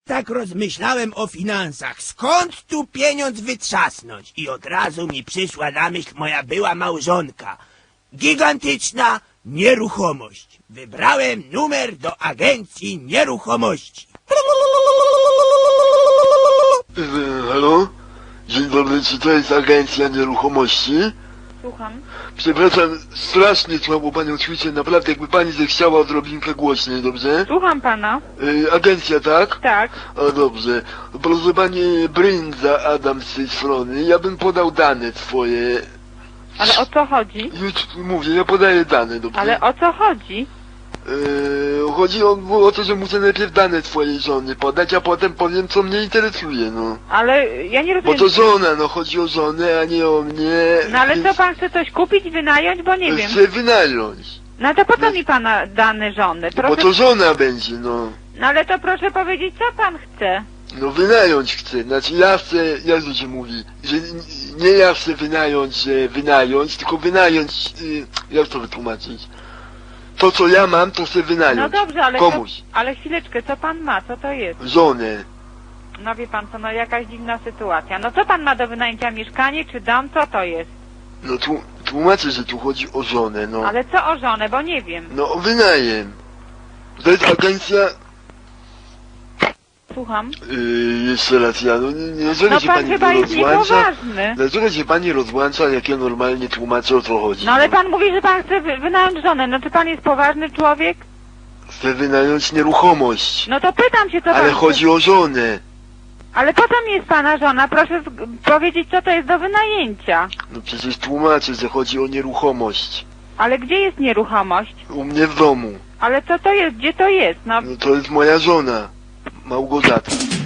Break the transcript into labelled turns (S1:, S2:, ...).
S1: Tak rozmyślałem o finansach. Skąd tu pieniądz wytrzasnąć? I od razu mi przyszła na myśl moja była małżonka. Gigantyczna nieruchomość. Wybrałem numer do agencji nieruchomości.
S2: Halo? Dzień dobry, czy to jest agencja nieruchomości?
S3: Słucham.
S2: Przepraszam, strasznie słabo panią słyszę, naprawdę jakby pani zechciała odrobinkę głośniej, dobrze?
S3: Słucham pana.
S2: Agencja, tak?
S3: Tak.
S2: O, dobrze. Proszę pani, Brynza Adam z tej strony, ja bym podał dane swoje.
S3: Ale o co chodzi?
S2: Już mówię, ja podaję dane, dobrze?
S3: Ale o co chodzi?
S2: Chodzi o to, że muszę najpierw dane swojej żony podać, a potem powiem, co mnie interesuje, no.
S3: Ale ja nie
S2: Bo
S3: rozumiem.
S2: to żona, no chodzi o żonę, a nie o mnie.
S3: No ale
S2: więc
S3: co pan chce coś kupić, wynająć? Bo nie wiem.
S2: chcę wynająć.
S3: No to po co mi pana dane żony?
S2: Bo
S3: Proszę...
S2: to żona będzie, no.
S3: No ale to proszę powiedzieć, co pan chce.
S2: No wynająć chcę, znaczy ja chcę, jak to się mówi, że nie ja chcę wynająć, że wynająć, tylko wynająć, jak to wytłumaczyć? To co ja mam, to chcę wynająć.
S3: No dobrze, ale
S2: komuś.
S3: ale chwileczkę, co pan ma? Co to jest?
S2: Żonę.
S3: No wie pan co, no jakaś dziwna sytuacja. No co pan ma do wynajęcia, mieszkanie czy dom? Co to jest?
S2: No tłumaczę, że tu chodzi o żonę, no.
S3: Ale co o żonę, bo nie wiem.
S2: No o wynajem. To jest agencja,
S3: Słucham.
S2: jeszcze raz ja, no jeżeli
S3: No
S2: się
S3: pan
S2: pani
S3: chyba jest
S2: rozłącza,
S3: niepoważny.
S2: dlaczego się pani rozłącza, jak ja normalnie tłumaczę, o co chodzi?
S3: No ale pan mówi, że pan chce wynająć żonę. No czy pan jest poważny człowiek?
S2: Chcę wynająć nieruchomość,
S3: No to pytam się, co pan
S2: ale
S3: chce.
S2: chodzi o żonę.
S3: Ale po co mi jest pana żona? Proszę powiedzieć, co to jest do wynajęcia.
S2: No przecież tłumaczę, że chodzi o nieruchomość.
S3: Ale gdzie jest nieruchomość?
S2: U mnie w domu.
S3: Ale co to jest? Gdzie to jest? No
S2: No to jest moja żona, Małgorzata.